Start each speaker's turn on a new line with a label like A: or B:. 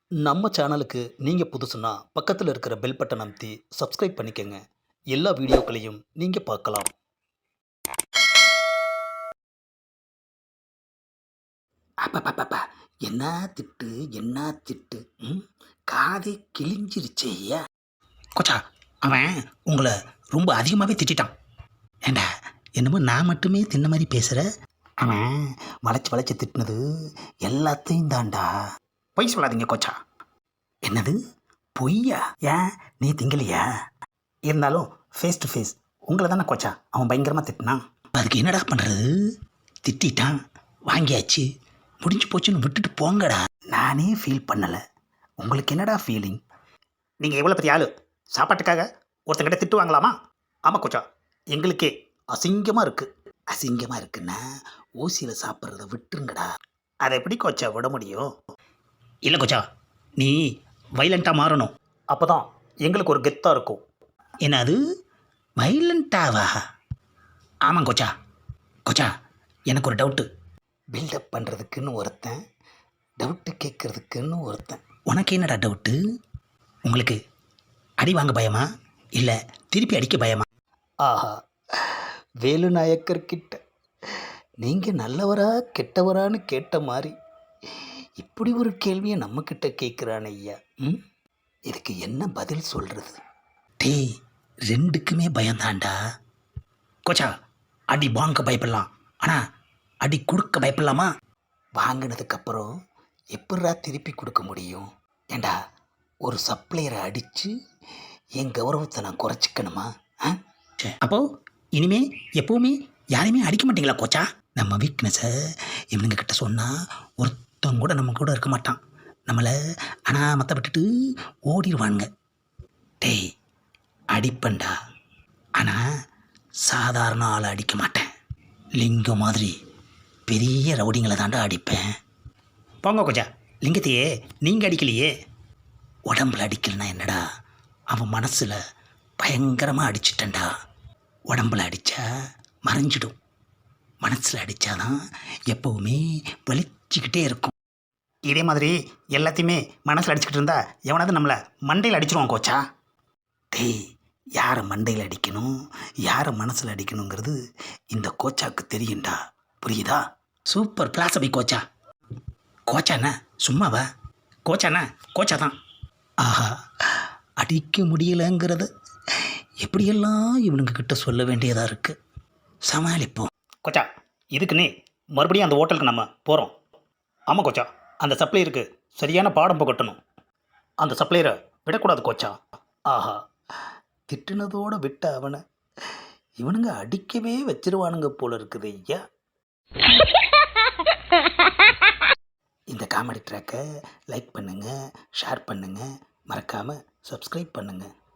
A: நம்ம சேனலுக்கு நீங்கள் புதுசுன்னா பக்கத்தில் இருக்கிற பெல் பட்டன் அமைத்தி சப்ஸ்கிரைப் பண்ணிக்கோங்க. எல்லா வீடியோக்களையும் நீங்கள் பார்க்கலாம். அப்பப்பப்பா, என்ன திட்டு என்ன திட்டு. ம் காதே கிழிஞ்சிருச்சே ஐயா. கொச்சா, அவன் உங்களை ரொம்ப அதிகமாகவே திட்டான். ஏண்டா, என்னமோ நான் மட்டுமே தின்ன மாதிரி பேசுகிற. அவன் வளைச்சி வளைச்சி திட்டினது எல்லாத்தையும் தாண்டா. பொய் சொல்லாதீங்க கொச்சா. என்னது பொய்யா? ஏன் நீ திங்கலையா? இருந்தாலும் ஃபேஸ் டு ஃபேஸ் உங்களை தானே கொச்சா அவன் பயங்கரமாக திட்டினான். அதுக்கு என்னடா பண்ணுறது? திட்டான், வாங்கியாச்சு, முடிஞ்சு போச்சுன்னு விட்டுட்டு போங்கடா. நானே ஃபீல் பண்ணலை, உங்களுக்கு என்னடா ஃபீலிங்? நீங்கள் எவ்வளோ பெரிய ஆள், சாப்பாட்டுக்காக ஒருத்தங்கிட்ட திட்டு வாங்கலாமா? ஆமாம் கொச்சா, எங்களுக்கே அசிங்கமாக இருக்குது. அசிங்கமாக இருக்குன்னா ஊசியில் சாப்பிட்றத விட்டுருங்கடா. அதை எப்படி கொச்சா விட முடியும்? இல்லை கொச்சா, நீ வைலண்ட்டாக மாறணும், அப்போ தான் எங்களுக்கு ஒரு கெத்தாக இருக்கும். என்னது வைலண்ட்டாவா? ஆமாம் கொச்சா. கொச்சா, எனக்கு ஒரு டவுட்டு. பில்டப் பண்ணுறதுக்குன்னு ஒருத்தன், டவுட்டு கேட்குறதுக்குன்னு ஒருத்தன். உனக்கு என்னடா டவுட்டு? உங்களுக்கு அடி வாங்க பயமா, இல்லை திருப்பி அடிக்க பயமா? ஆஹா, வேலு நாயக்கர்கிட்ட நீங்கள் நல்லவரா கெட்டவரான்னு கேட்ட மாதிரி இப்படி ஒரு கேள்வியை நம்மக்கிட்ட கேட்குறான் ஐயா. இதுக்கு என்ன பதில் சொல்கிறது? டேய், ரெண்டுக்குமே பயந்தாண்டா. கொச்சா, அடி வாங்க பயப்படலாம், ஆனால் அடி கொடுக்க பயப்படலாமா? வாங்கினதுக்கப்புறம் எப்படா திருப்பி கொடுக்க முடியும்? ஏண்டா, ஒரு சப்ளையரை அடித்து என் கௌரவத்தை நான் குறைச்சிக்கணுமா? அப்போது இனிமே எப்போவுமே யாரையுமே அடிக்க மாட்டீங்களா கோச்சா? நம்ம வீக்னஸை இவனுங்க கிட்ட சொன்னால் ஒருத்தவங்க கூட நம்ம கூட இருக்க மாட்டான், நம்மளை அனாமத்தை விட்டுட்டு ஓடிடுவானுங்க. டேய், அடிப்பண்டா, ஆனால் சாதாரண ஆளை அடிக்க மாட்டேன், லிங்கம் மாதிரி பெரிய ரவுடிங்களை தாண்டா அடிப்பேன். போங்க கொச்சா, லிங்கத்தையே நீங்கள் அடிக்கலையே. உடம்புல அடிக்கலைன்னா என்னடா, அவன் மனசில் பயங்கரமாக அடிச்சிட்டேன்டா. உடம்புல அடித்தா மறைஞ்சிடும், மனசில் அடித்தாதான் எப்போவுமே வலிச்சிக்கிட்டே இருக்கும். இதே மாதிரி எல்லாத்தையுமே மனசில் அடிச்சுக்கிட்டு இருந்தா எவனாவது நம்மளை மண்டையில் அடிச்சிருவான் கோச்சா. டேய், யாரை மண்டையில் அடிக்கணும், யாரை மனசில் அடிக்கணுங்கிறது இந்த கோச்சாவுக்கு தெரியும்டா, புரியுதா? சூப்பர் பிளாசபி கோச்சா. கோச்சாண்ணா சும்மாவா? கோச்சாண்ணா கோச்சா தான். ஆஹா, அடிக்க முடியலைங்கிறத எப்படியெல்லாம் இவனுங்க கிட்ட சொல்ல வேண்டியதாக இருக்குது. சமாளிப்போம். கொச்சா, இதுக்குன்னே மறுபடியும் அந்த ஹோட்டலுக்கு நம்ம போகிறோம். ஆமாம் கொச்சா, அந்த சப்ளையருக்கு சரியான பாடம் புகட்டணும். அந்த சப்ளையரை விடக்கூடாது கோச்சா. ஆஹா, திட்டுனதோடு விட்ட அவனை இவனுங்க அடிக்கவே வச்சிருவானுங்க போல இருக்குது ஐயா. இந்த காமெடி ட்ராக்கை லைக் பண்ணுங்கள், ஷேர் பண்ணுங்கள், மறக்காமல் சப்ஸ்கிரைப் பண்ணுங்கள்.